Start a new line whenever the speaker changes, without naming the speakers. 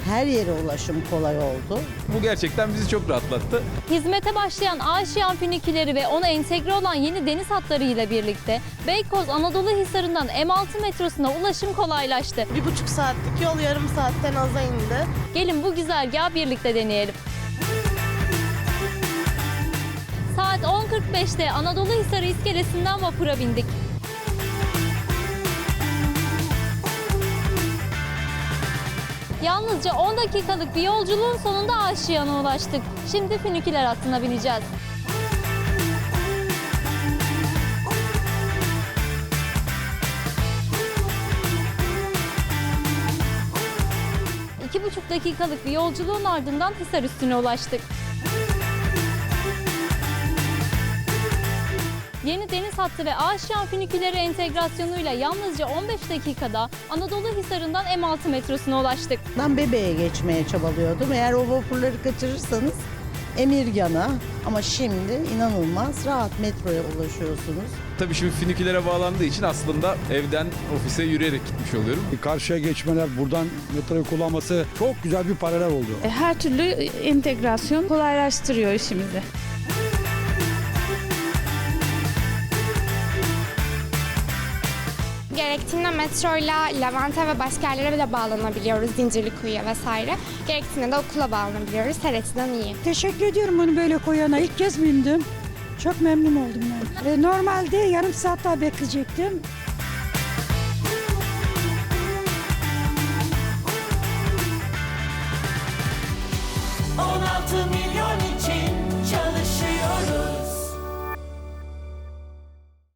Her yere ulaşım kolay oldu.
Bu gerçekten bizi çok rahatlattı.
Hizmete başlayan Aşiyan füniküleri ve ona entegre olan yeni deniz hatları ile birlikte Beykoz Anadolu Hisarı'ndan M6 metrosuna ulaşım kolaylaştı.
1,5 saatlik yol yarım saatten aza indi.
Gelin bu güzergahı birlikte deneyelim. Saat 10.45'te Anadolu Hisarı iskelesinden vapura bindik. Yalnızca 10 dakikalık bir yolculuğun sonunda Aşiyan'a ulaştık. Şimdi füniküler hattına bineceğiz. İki buçuk dakikalık bir yolculuğun ardından Hisar üstüne ulaştık. Yeni deniz hattı ve Aşiyan füniküleri entegrasyonuyla yalnızca 15 dakikada Anadolu Hisarı'ndan M6 metrosuna ulaştık.
Ben Bebe'ye geçmeye çabalıyordum. Eğer o vapurları kaçırırsanız Emirgan'a, ama şimdi inanılmaz rahat metroya ulaşıyorsunuz.
Tabii şimdi fünikülere bağlandığı için aslında evden ofise yürüyerek gitmiş oluyorum.
Karşıya geçmeler, buradan metroyu kullanması çok güzel bir paralel oldu.
Her türlü entegrasyon kolaylaştırıyor işimizi.
Gerektiğinde metroyla Levent'e ve başka yerlere bile bağlanabiliyoruz. Zincirlikuyu'ya vesaire. Gerektiğinde de okula bağlanabiliyoruz. Her açıdan iyi.
Teşekkür ediyorum onu böyle koyana. İlk kez bindim. Çok memnun oldum ben. Normalde yarım saat daha bekleyecektim.
On altı